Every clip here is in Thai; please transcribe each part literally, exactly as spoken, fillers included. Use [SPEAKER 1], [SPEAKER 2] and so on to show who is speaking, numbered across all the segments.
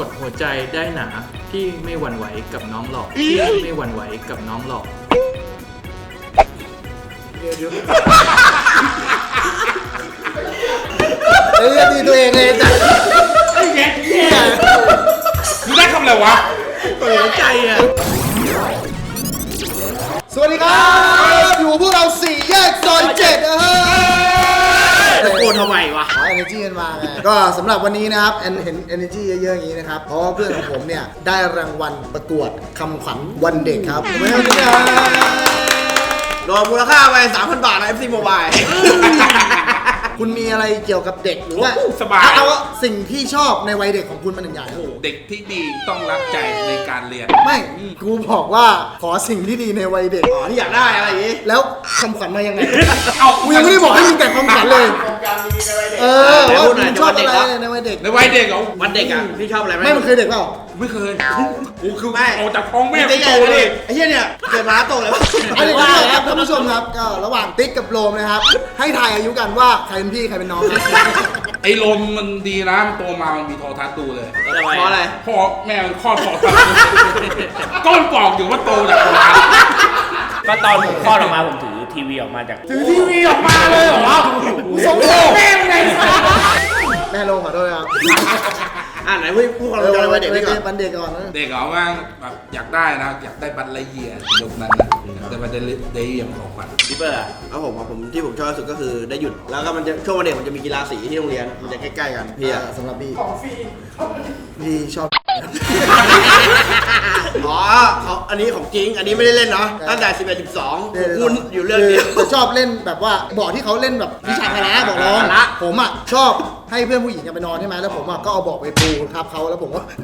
[SPEAKER 1] ดหัวใจได้หนาพี่ไม่หวั่นไหวกับน้องหลอกพี่ไม่หวั่นไหวกับน้องหลอก
[SPEAKER 2] เดี๋ยวเดี๋ยวเฮ้ยดีตัวเองเลยจ้ะ
[SPEAKER 3] ไอ้แย่มึงได้คำอะไรวะ
[SPEAKER 1] หัวใจอ่ะ
[SPEAKER 2] สวัสดีครับอยู่พวกเราสี่แยกซอยเจ็ดนะฮะ
[SPEAKER 4] ตะโกนทำไมวะ
[SPEAKER 2] ขอ energy กันมาไงก็สำหรับวันนี้นะครับเห็น energy เยอะๆอย่างนี้นะครับเพราะว่าเพื่อนของผมเนี่ยได้รางวัลประกวดคำขวัญวันเด็กครับไม่เอาที่ไหน
[SPEAKER 4] โดนมูลค่าไป สามพัน บาทนะ เอฟ ซี Mobile
[SPEAKER 2] คุณมีอะไรเกี่ยวกับเด็กหรือว่า
[SPEAKER 3] สบาย
[SPEAKER 2] เอาสิ่งที่ชอบในวัยเด็กของคุณมันหนึ่งอย่าง
[SPEAKER 3] เด็กที่ดีต้องรักใจในการเรียน
[SPEAKER 2] ไม่กูบอกว่าขอสิ่งที่ดีในวัยเด็ก
[SPEAKER 4] อ๋อที่อยากได้อะไรอย่างนี้
[SPEAKER 2] แล้วคำขวัญมายังไงเอากูยังไม่ได้บอกให้มึงแต่คำขวัญเลยเออว่ามึงชอบอะไรในวัยเด็ก
[SPEAKER 3] ในวัยเด็กเหรอ
[SPEAKER 4] วันเด็กอ่ะพี่ชอบอะไรไหม
[SPEAKER 2] ไม่มันเคยเด็กเปล่า
[SPEAKER 3] ไม่เคยกูคือออกจากท้องแม่
[SPEAKER 4] โตเลยไอ้เหี้ยเนี่ยเกิดมาโตเลยวะ
[SPEAKER 2] อันนี้ครับท่านผู้ชมครับก็ระหว่างติ๊กกับโรมนะครับให้ทายอายุกันว่าใครเป็นพี่ใครเป็นน้อง
[SPEAKER 3] ไอ้ลมมันดีนะมันโตมามันมีโทรทัศน์ดูเลย
[SPEAKER 4] เพราะอะไร
[SPEAKER 3] พ่อแม่มันคลอดโทรทัศน์ก้อนกรอกอยู่ว่าโตจากโทรทัศน์
[SPEAKER 5] ก็ตอนผมคลอดออกมาผมถือทีวีออกมาจาก
[SPEAKER 3] ถือทีวีออกมาเลยเหรอ
[SPEAKER 2] สงสารแม่ไงแม่ลงขอโทษครับ
[SPEAKER 4] อ่าไหนพูดพูดความรู้จักวัยเด็กก่อน
[SPEAKER 2] วันเด็กก่อนนะ
[SPEAKER 3] เด็กเหรอว่าแบบอยากได้นะอยากได้บัตรไลเยียร์ยุคนั้นนะแต่บัตรไลเยียร์ของบัตร
[SPEAKER 4] พี่เปอร์อ่ะแล้วผมผมที่ผมชอบที่สุดก็คือได้หยุดแล้วก็มันจะช่วงวันเด็กมันจะมีกีฬาสีที่โรงเรียนมันจะใกล้ๆกันพี่อ่ะ
[SPEAKER 2] สำหรับพี่ของฟรีพี่ชอบ
[SPEAKER 4] อ๋อเขาอันนี้ของจริงอันนี้ไม่ได้เล่นเนาะตั้งแต่สิบเอ็ด สิบสองคุณอยู่เรื่องเดียว
[SPEAKER 2] ชอบเล่นแบบว่าบอกที่เขาเล่นแบบวิชาพละบอกร้องผมอ่ะชอบให้เพื่อนผู้หญิงไปนอนใช่ไหมแล้วผมอ่ะก็เอาบอกไปปูทับเขาแล้วผมว่า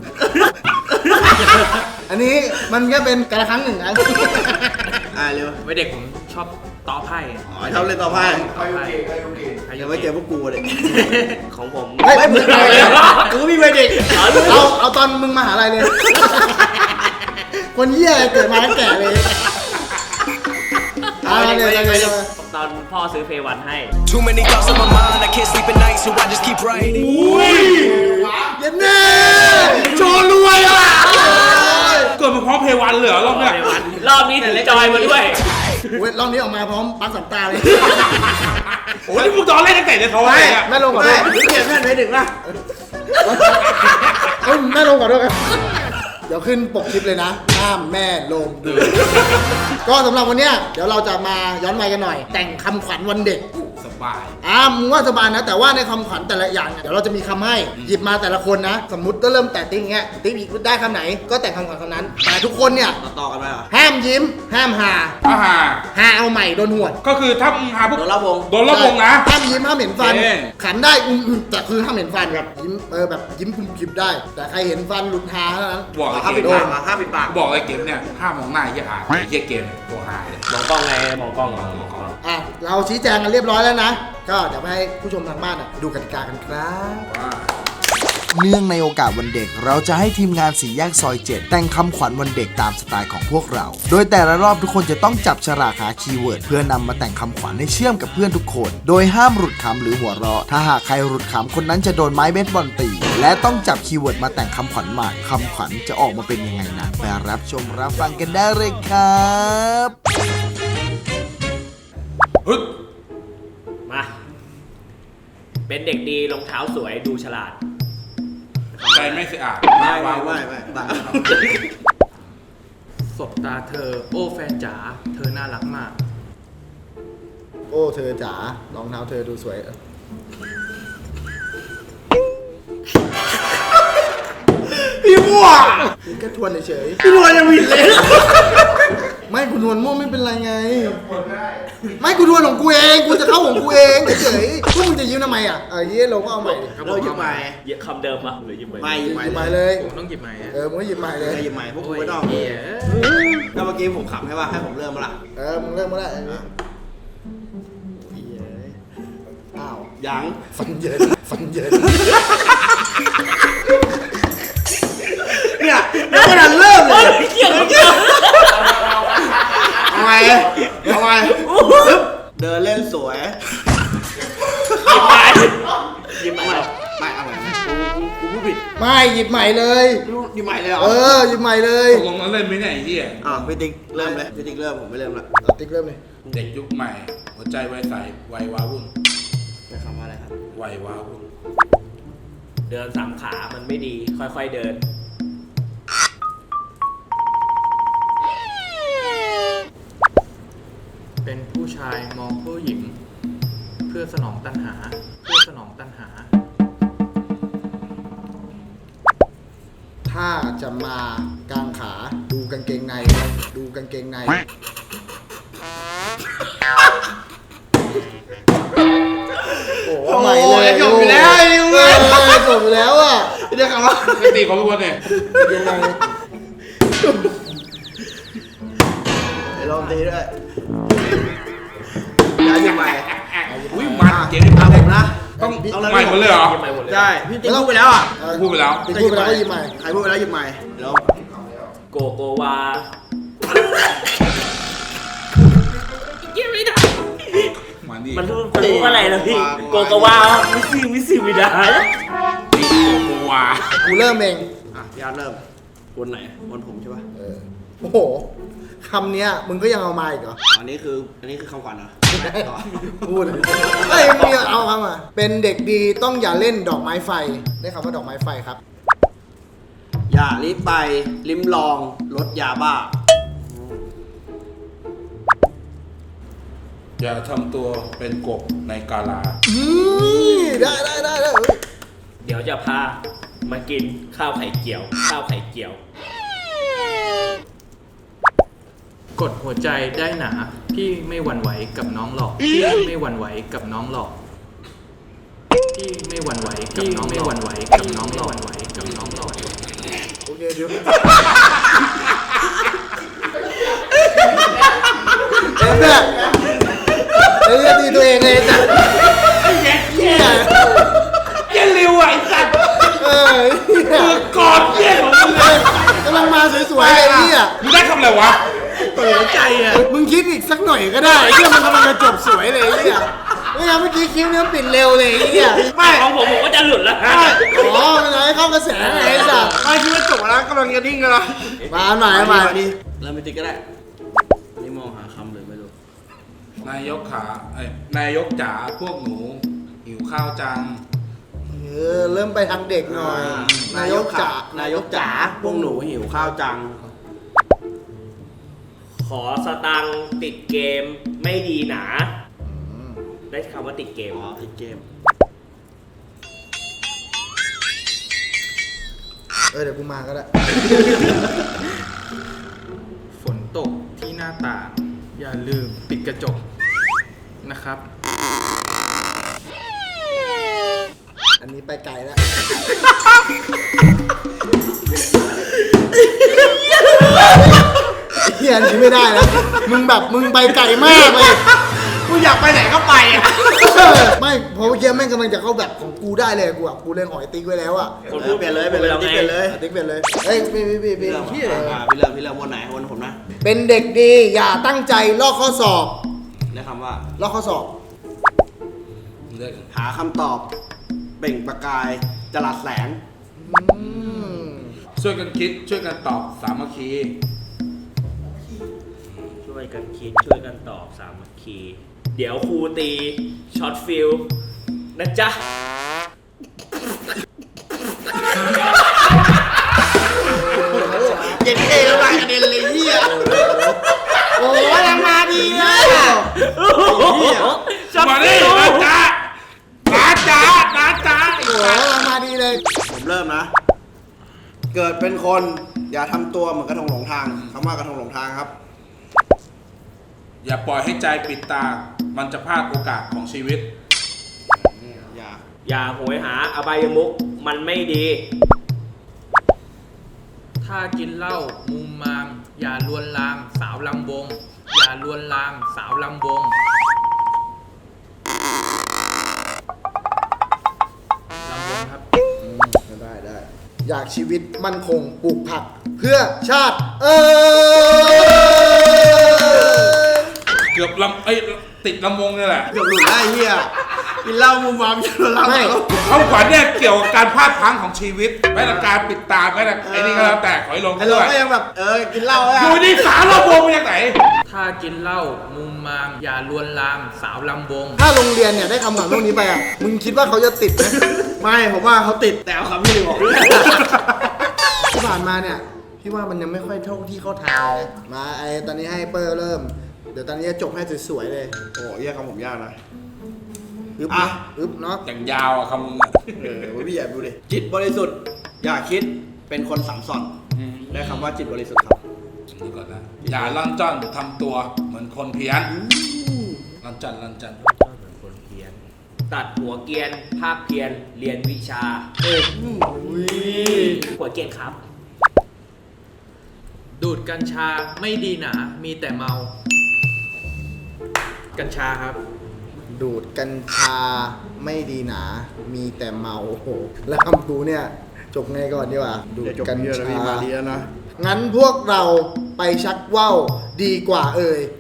[SPEAKER 2] อันนี้มันแค่เป็นการละครั้งหนึ่งนะ
[SPEAKER 4] อ่าเร็ว
[SPEAKER 1] วัยเด็กผมชอบต่อไพ่
[SPEAKER 4] อ๋อชอบเล่นต่อไพ่
[SPEAKER 1] ใครโอเคใครโอเค
[SPEAKER 4] ยังไม่เจอพวกกูเลยของผม
[SPEAKER 2] ไม่เหมือนกันเลย
[SPEAKER 4] กูมีวัยเด็ก
[SPEAKER 2] เอาเอาตอนมึงมหาลัยเลยคนเหี้ยเกิดมาแล้วแก่เลย
[SPEAKER 5] ตอนพ่อซื้อเพย์วันให้
[SPEAKER 6] Too many thoughts on my mind I can't sleep at night so I just keep writing
[SPEAKER 2] เย็นแน่โชว์รวยอ่ะ
[SPEAKER 3] เกิดมาพร้อมเพย์วันเลยเหรอรอบเนี้ย
[SPEAKER 5] รอบนี้ถือจอยมาด้วย
[SPEAKER 2] เว้ยรอบนี้ออกมาพร้อมปักสัมตาเลย
[SPEAKER 3] โอ้ยมึงตอนเล่นตั้งแต่ในท้อง
[SPEAKER 4] เลย
[SPEAKER 3] อ่ะ
[SPEAKER 4] แม่ลงก่อนด้วยเปลี่ยนแม่ไปดึงนะ
[SPEAKER 2] แม่ลงก่อนด้วยกันเดี๋ยวขึ้นปกคลิปเลยนะห้ามแม่ลงดูก็สำหรับวันนี้เดี๋ยวเราจะมาย้อนวัยกันหน่อยแต่งคำขวัญวันเด็ก
[SPEAKER 3] สบาย
[SPEAKER 2] อ่ามึงว่าสบายนะแต่ว่าในคำขวัญแต่ละอย่างเดี๋ยวเราจะมีคำให้หยิบมาแต่ละคนนะสมมติก็เริ่มแต่ติ๊งเงี้ยติ๊งอีกได้คำไหนก็แต่งคำขวัญคำนั้นแต่ทุกคนเนี่ย
[SPEAKER 4] ต่อกันไปเหรอ
[SPEAKER 2] ห้ามยิ้มห้ามหา
[SPEAKER 3] ห้าหา
[SPEAKER 2] หาเอาใหม่โดนหวด
[SPEAKER 3] ก็คือถ้ามึงหาพวก
[SPEAKER 4] โดนละวง
[SPEAKER 3] โดนละวงนะ
[SPEAKER 2] ห้ามยิ้มห้ามเห็นฟันขันได้อืมแต่คือห้ามเห็นฟันแบบยิ้มเออแบบยิ้มคุมคลิปได้แต่ใครเห็นฟันหลุดหาเท่านั้น
[SPEAKER 3] บอก
[SPEAKER 4] ห้ามปิดปากห้ามปิดปาก
[SPEAKER 3] บอกไอ้เกมเนี่ยห้ามมองหน้าไอ้เหี้ยหาไอ้เหี้ยเกมตัวหายเลย
[SPEAKER 5] มองกล้องไงมองกล้องมองกล้อง
[SPEAKER 2] อ่ะเราชี้แจงกันเรียบร้อยแล้วนะก็เดี๋ยวให้ผู้ชมทางบ้านดูกติกากันครับ
[SPEAKER 7] เนื่องในโอกาสวันเด็กเราจะให้ทีมงานสี่แยกซอยเจ็ดแต่งคำขวัญวันเด็กตามสไตล์ของพวกเราโดยแต่ละรอบทุกคนจะต้องจับฉลากหาคีย์เวิร์ดเพื่อนำมาแต่งคำขวัญให้เชื่อมกับเพื่อนทุกคนโดยห้ามหลุดคำหรือหัวเราะถ้าหากใครหลุดคำคนนั้นจะโดนไม้เบสบอลตีและต้องจับคีย์เวิร์ดมาแต่งคำขวัญใหม่คำขวัญจะออกมาเป็นยังไงนะไปรับชมรับฟังกันได้เลยครับ
[SPEAKER 5] มาเป็นเด็กดีรองเท้าสวยดูฉลาด
[SPEAKER 3] ใจไม่สะอาด
[SPEAKER 4] ไม่ไม่ไม่ไม่
[SPEAKER 1] สบตาเธอโอ้แฟนจ๋าเธอน่ารักมาก
[SPEAKER 2] โอ้เธอจ๋ารองเท้าเธอดูสวย
[SPEAKER 4] พี่มั่ว
[SPEAKER 2] แค่ทวนเฉย
[SPEAKER 4] พี่มั่วยังผิดเลย
[SPEAKER 2] ไม่กูทวนมั่วไม่เป็นไรไงไม่กูทวนของกูเองกูจะเข้าของกูเองเฉยๆพวกมึงจะยิ้มทำไมอ่ะเออเย้เราก็เอาใหม่
[SPEAKER 4] เราหยิบใหม่
[SPEAKER 5] คำเดิมปะหรือหยิบใหม่
[SPEAKER 4] ไม่หยิบใหม่
[SPEAKER 2] เลย
[SPEAKER 1] ผมต้องหยิบใหม่
[SPEAKER 2] เออมึงก็หยิบใหม่เลย
[SPEAKER 4] หยิบใหม่พวกกูไม่ต้องแล้วเมื่อกี้ผมขำให้ว่าให้ผมเริ่มมาละ
[SPEAKER 2] เออมึงเริ่มมาละ
[SPEAKER 4] อ้าวยัง
[SPEAKER 2] ฟันเยินฟันเยิน
[SPEAKER 4] เนี่ยยังไม่ทันเริ่มเลย
[SPEAKER 5] เกี่ยวกับ
[SPEAKER 4] เอาไงเอาไงเดินเล่นสวย
[SPEAKER 5] ยิ้มไปยิ้มไป
[SPEAKER 4] ไม่เอาไงกูกูพูดผู้ผิด
[SPEAKER 2] ไม่หยิบใหม่เลย
[SPEAKER 4] รู้ดีใหม่เลยเหรอ
[SPEAKER 2] เออหยิบใหม่เลย
[SPEAKER 3] ตกลงแล้วเล่นไหมเนี่ยไอ้เหี้ย
[SPEAKER 4] อ่ะพี่ติ๊กเริ่มเลยพี่ติ๊กเริ่มผมไม่เริ่มละ
[SPEAKER 2] เอาติ๊กเริ่มเลย
[SPEAKER 3] เด็กยุคใหม่ หัวใจไวใสวัยว้าวุ่น
[SPEAKER 4] ใช้คำว่าอะไรครับ
[SPEAKER 3] วัยว้าวุ่น
[SPEAKER 5] เดินสามขา มันไม่ดี ค่อยๆเดิน
[SPEAKER 1] เป็นผู้ชายมองผู้หญิง เพื่อสนองตัณหา เพื่อสนองตัณหา
[SPEAKER 2] ถ้าจะมากางขาดูกางเกงในดูกางเกงในโอ้ใหม่เลย
[SPEAKER 4] จบอยู่แล้วไอ้นิว
[SPEAKER 2] เออจบอยู่แล้วอ่ะ
[SPEAKER 4] พี่เรียกคำว่า
[SPEAKER 3] ปกติของทุกคนเนี่ย
[SPEAKER 2] ยังไง
[SPEAKER 4] ไอ้ลองตีด้วยย้ายที่ใหม่
[SPEAKER 3] อุ้ยมันเจ๋ง
[SPEAKER 4] ตามผมนะ
[SPEAKER 3] ต้อง
[SPEAKER 4] เอา
[SPEAKER 3] ใหม่หมดเลยเหรอ
[SPEAKER 5] ใหม่หมดเลย
[SPEAKER 4] ใช่พี่ติ๊กพูดไปแล้วอ่ะ
[SPEAKER 2] เออ
[SPEAKER 3] พูดไปแล้ว
[SPEAKER 2] ติ๊กพูดไปแล้วก็หยิบใหม่
[SPEAKER 4] ใครพูดไปแล้วหยิบใหม่เดี๋ยว
[SPEAKER 5] โกโกวาเยี่ยไม่ได้
[SPEAKER 3] มาดิ
[SPEAKER 5] มันรู้มันรู้อะไรนะพี่ โกโกวามิซิมิซิมิดา
[SPEAKER 3] โกวา
[SPEAKER 2] กูเริ่มเอง
[SPEAKER 4] อ่ะพี่อาร์ตเริ่มวนไหนวนผมใช่ป่ะ
[SPEAKER 2] เออโอ้โหคำเนี้ยมึงก็ยังเอามาอีกเหรอ
[SPEAKER 4] อันนี้คืออันนี้คือคำขวัญเหรอ
[SPEAKER 2] พูดเลยเฮ้ยมีเอาคำมาเป็นเด็กดีต้องอย่าเล่นดอกไม้ไฟ ได้คำว่าดอกไม้ไฟครับ
[SPEAKER 4] อย่ารีบไปลิ้มลองรสยาบ้า
[SPEAKER 3] อย่าทำตัวเป็นกบในกาลา
[SPEAKER 2] อืมได้ได้ได้ได้
[SPEAKER 5] เดี๋ยวจะพามากินข้าวไข่เจียว ข้าวไข่เจียว
[SPEAKER 1] กดหัวใจได้หนา พี่ไม่หวั่นไหวกับน้องหรอก พี่ไม่หวั่นไหวกับน้องหรอก พี่ไม่หวั่นไหวกับน้องไม่หวั่นไหวกับน้องหรอกหวั่นไหวกับน้องหรอก
[SPEAKER 2] โอเคเดี๋ยวเอ็มเนี่ยเอ็มจะตีตัวเองเลยจ้ะเฮีย
[SPEAKER 3] เย็นริวไอ้สัตว์
[SPEAKER 2] เออเฮีย
[SPEAKER 3] กอดเย็นของมึงเลย
[SPEAKER 2] กำลังมาสวยๆเลยเฮีย
[SPEAKER 3] มึงได้คำอะไรวะ
[SPEAKER 2] เปิดใจอ่ะมึงคิดอีกสักหน่อยก็ได้เฮียมันกำลังจะจบสวยเลยเฮียไม่งั้นเมื่อกี้คิ้วเนี้ยปิดเร็วเลยเฮีย
[SPEAKER 5] ไม่ของผมผมก็จะหลุดแล้วฮะ
[SPEAKER 2] อ๋อมันให้เข้ากระแสไงไอ้สัส
[SPEAKER 4] ไม่คิดว่าจบแล้วกำลังจะดิ้งกันละ
[SPEAKER 2] มาหน่อยมา
[SPEAKER 4] ดิเริ่มไม่ติดก็ได้อันนี่มองหาคำเลยไม่รู้
[SPEAKER 3] นายกขาเอ้ยนายกจ๋าพวกหนูหิวข้าวจัง
[SPEAKER 2] เออเริ่มไปทางเด็กหน่อย นายกจ๋าน
[SPEAKER 4] ายกจ๋าพวกหนูหิวข้าวจัง
[SPEAKER 5] ขอสตังค์ติดเกมไม่ดีหนา ได้คำว่าติดเกม
[SPEAKER 4] อ๋อติดเกม
[SPEAKER 2] เออเดี๋ยวกูมาก็ได้
[SPEAKER 1] ฝนตกที่หน้าต่าง อย่าลืมปิดกระจกนะครับ
[SPEAKER 2] อันนี้ไปไกลแล้วเฮียอันนี้ไม่ได้แล้วมึงแบบมึงไปไกลมากเลย
[SPEAKER 4] กูอยากไปไหนก็ไปอ่ะ
[SPEAKER 2] ไม่เพราะเมื่อกี้แม่งกำลังจะเข้าแบบของกูได้เลยกูอ่ะกูเล่นหอยติ๊กไว้แล้วอ่ะ
[SPEAKER 5] คนพูด
[SPEAKER 4] เปลี่ยนเลยเปลี่ยนเลย
[SPEAKER 5] พูด
[SPEAKER 4] ติ๊กเปลี่ยนเลย
[SPEAKER 2] อ่ะติ๊กเปลี่ยนเลยเฮ้ยพี่พี่พี่
[SPEAKER 4] พี่
[SPEAKER 2] พี่
[SPEAKER 4] เริ่ม
[SPEAKER 2] พี่
[SPEAKER 4] อ่ะพี่เริ่มพี่เริ่มวนไหนวนผมนะ
[SPEAKER 2] เป็นเด็กดีอย่าตั้งใจลอกข้อสอบ
[SPEAKER 4] ได้คำว่า
[SPEAKER 2] ลอกข้อสอบ
[SPEAKER 3] เลือก
[SPEAKER 4] หาคำตอบ เปล่งประกายจรัสแสง
[SPEAKER 2] อืม
[SPEAKER 3] ช่วยกันคิดช่วยกันตอบสามัคคี
[SPEAKER 5] ช่วยกันคิดช่วยกันตอบสามัคคี เดี๋ยวครูตีช็อตฟิลนะจ๊ะ
[SPEAKER 4] เย็นเองแล้วกระเด็นเลยเฮียโอ้ยยังมาดีเลยอ่ะ
[SPEAKER 5] ช็อต
[SPEAKER 3] มาดิ
[SPEAKER 5] ฟิล
[SPEAKER 3] นะจ๊ะนะจ๊ะนะจ๊ะ
[SPEAKER 2] โอ้โหมาดีเลย
[SPEAKER 4] ผมเริ่มนะ เกิดเป็นคนอย่าทำตัวเหมือนกระทงหลงทางคำว่ากระทงหลงทางครับ
[SPEAKER 3] อย่าปล่อยให้ใจปิดตา มันจะพลาดโอกาสของชีวิต
[SPEAKER 4] อย่า
[SPEAKER 5] อย่าโหยหาอบายมุกมันไม่ดี
[SPEAKER 1] ถ้ากินเหล้ามุมมาม อย่าลวนลามสาวลำวง อย่าลวนลามสาวลำวงลำวงครับ
[SPEAKER 2] ได้ได้อยากชีวิตมั่นคงปลูกผัก เพื่อชาติ เออ
[SPEAKER 3] เกือบลำเอ้ยติดลำวงนี่แหละ
[SPEAKER 4] เกือบหลุดได้เฮียกินเหล้ามุมมามชวนเรา
[SPEAKER 2] ไม่
[SPEAKER 3] คำขวัญเนี่ยเกี่ยวกับการพลาดพลั้งของชีวิตแม้แต่การปิดตาแม้แต่ไอ้นี่ก็แล้วแต่ขอให้ลง
[SPEAKER 4] ไอ้เรา
[SPEAKER 3] ด้วย
[SPEAKER 4] ก็ยังแบบเออกินเหล้าอะ
[SPEAKER 3] อยู่นี่สารรอบวงมาจากไหน
[SPEAKER 1] ถ้ากินเหล้ามุมมาม อย่าลวนลามสาวลำวง
[SPEAKER 2] ถ้าโรงเรียนเนี่ยได้คำขวัญพวกนี้ไปอ่ะ มึงคิดว่าเขาจะติดไหม
[SPEAKER 4] ไม่ผมว่าเขาติดแต่เอาคำที่หนึ่งออก
[SPEAKER 2] ที่ผ่านมาเนี่ย พี่ว่ามันยังไม่ค่อยเท่าที่เข้าทางเลยนะมาไอตอนนี้ให้เปอร์เริ่ม เดี๋ยวตอนนี้จะจบให้สวยๆเลย
[SPEAKER 4] โอ้ยยากคำผมยากนะ
[SPEAKER 2] อึ๊บ
[SPEAKER 4] อ่ะ
[SPEAKER 2] นะอึ๊บเนาะ
[SPEAKER 3] อย่างยาวอะคำมึงอะ
[SPEAKER 4] เออพี่ใหญ่ดูดิจิตบริสุทธิ์อย่าคิดเป็นคนสังสรรค์ได้คำว่าจิตบริสุทธิ์ครับ
[SPEAKER 3] นี่ก่อนนะอย่าล่อนจ้อนทำตัวเหมือนคนเพี้ยนล่อนจ้อนล่อนจ้อน
[SPEAKER 5] เหมือนคนเพี้ยน ตัดหัวเกรียน ภาคเพียน เรียนวิชาหัวเกรียนครับ
[SPEAKER 1] ดูดกัญชาไม่ดีหนา มีแต่เมา กัญชาครับ
[SPEAKER 2] ดูดกัญชาไม่ดีหนา มีแต่เมาโอ้โหแล้วคำกูเนี่ย จบไงก่อนดีกว่าดูด
[SPEAKER 4] เดี๋ยวจบ
[SPEAKER 2] กัญ
[SPEAKER 4] เยอะแล้ว
[SPEAKER 2] ชา
[SPEAKER 4] พี่มาดีแล้วนะ
[SPEAKER 2] งั้นพวกเราไปชักว่าวดีกว่าเอ่ย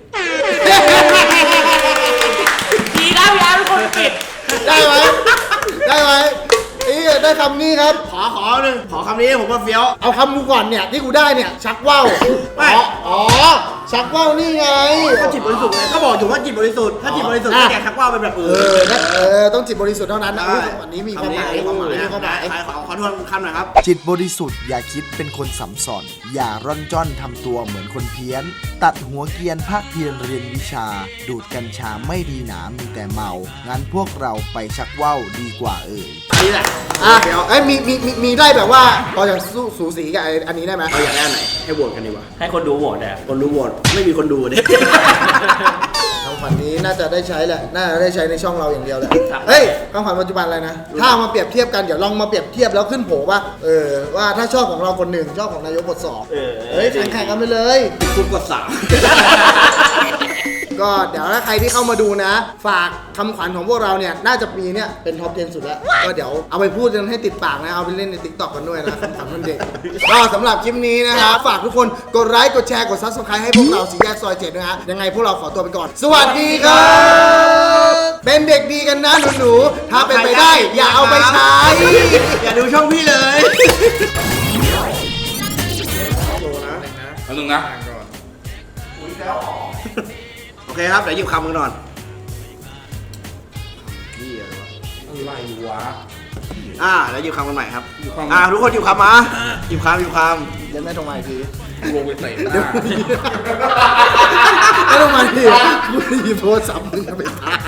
[SPEAKER 5] ดีนะพี่อาร์ตเป็นคนปิด
[SPEAKER 2] ได้ไหมได้ไหมเอ้ยได้คำนี้ครับ
[SPEAKER 4] ขอขอหนึ่งขอคำนี้ผมว่าเฟี้ยว
[SPEAKER 2] เอาคำกูก่อนเนี่ยที่กูได้เนี่ย ชักว่าว
[SPEAKER 4] ไม่
[SPEAKER 2] อ๋ออ๋อ ชักว่าวนี่ไง
[SPEAKER 4] ก็จิตบริสุทธิ์ไงก็บอกอยู่ว่าจิตบริสุทธิ์ถ้าจิตบริสุทธิ์
[SPEAKER 2] อ่ะ
[SPEAKER 4] ก็แกชักว่าวเป็นแบบ
[SPEAKER 2] เอ
[SPEAKER 4] อื่น
[SPEAKER 2] อนะเออต้องจิตบริสุทธิ์เท่านั้นนะ
[SPEAKER 4] ได้
[SPEAKER 2] อุ๊ยอันนี้มีความหมาย
[SPEAKER 4] มีความหมาย
[SPEAKER 2] มีความหมาย
[SPEAKER 4] ใครขอขอทวนคำหน่อยครับ
[SPEAKER 7] จิตบริสุทธิ์อย่าคิดเป็นคนสัมสอนอย่าร่อนจ้อนทำตัวเหมือนคนเพี้ยน ตัดหัวเกรียนภาคเพียรเรียนวิชา ดูดกัญชาไม่ดีหนามีแต่เมา งั้นพวกเราไปชักว่าวดีกว่าเอ่ย
[SPEAKER 4] อันนี้แหละ
[SPEAKER 2] อ่ะ
[SPEAKER 4] เฟี้ยว
[SPEAKER 2] เอ้ยมีมีมีมีได้แบบว่าพอจะสู้สูสีกับไอ้อันนี้ได้ไหม
[SPEAKER 4] เราอยากได้อันไหนให้โหวตกันดีกว่า
[SPEAKER 5] ให้คนดูโหวตอ่ะ
[SPEAKER 4] คนดูโหวตไม่มีคนดูเนี่ย
[SPEAKER 2] คำขวัญนี้น่าจะได้ใช้แหละ น่าจะได้ใช้ในช่องเราอย่างเดียวแหละ
[SPEAKER 5] ครับ
[SPEAKER 2] เฮ้ยคำขวัญปัจจุบันอะไรนะ ถ้าเอามาเปรียบเทียบกัน เดี๋ยวลองมาเปรียบเทียบแล้วขึ้นโผว่า เออ ว่าถ้าชอบของเราคนหนึ่งชอบของนายกกดสอง
[SPEAKER 5] เออ
[SPEAKER 2] เฮ้ยแข่งแข่งกันไปเลย
[SPEAKER 4] คุณกดสาม
[SPEAKER 2] ก็เดี๋ยวถ้าใครที่เข้ามาดูนะ ฝากคำขวัญของพวกเราเนี่ย น่าจะปีเนี่ยเป็นท็อปสิบสุดแล้ว ก็เดี๋ยวเอาไปพูดกันให้ติดปากนะ เอาไปเล่นใน ติ๊กต็อก กันด้วยนะคำขวัญวันเด็ก ก็สำหรับคลิปนี้นะครับ ฝากทุกคนกดไลค์ กดแชร์ กดซับสไครต์ให้พวกเราสี่แยกซอยเจ็ดนะฮะ ยังไงพวกเราขอตัวไปก่อน สวัสดีครับ เป็นเด็กดีกันนะหนูๆ ถ้าเป็นไปได้ อย่าเอาไปใช้
[SPEAKER 4] อย่าดูช่องพี่เลย
[SPEAKER 3] แล้วนึงนะ
[SPEAKER 4] โอเคครับ เดี๋ยวหยิบคำกันก่อน
[SPEAKER 3] อะไรวะ
[SPEAKER 4] อ่าเดี๋ยวหยิบคำกันใหม่ครับ
[SPEAKER 3] หยิบคำ
[SPEAKER 4] อ่าทุกคนหยิบคำมาหยิบคำหยิบค
[SPEAKER 2] เดี๋ยวแม่โทรมาอีกที
[SPEAKER 3] ลงไปเตะห
[SPEAKER 2] เดี๋ยว
[SPEAKER 3] น้า
[SPEAKER 2] ไม่ต้องมาทีกูจะหยิบโทรศัพท์มึงเอาไปถ่าย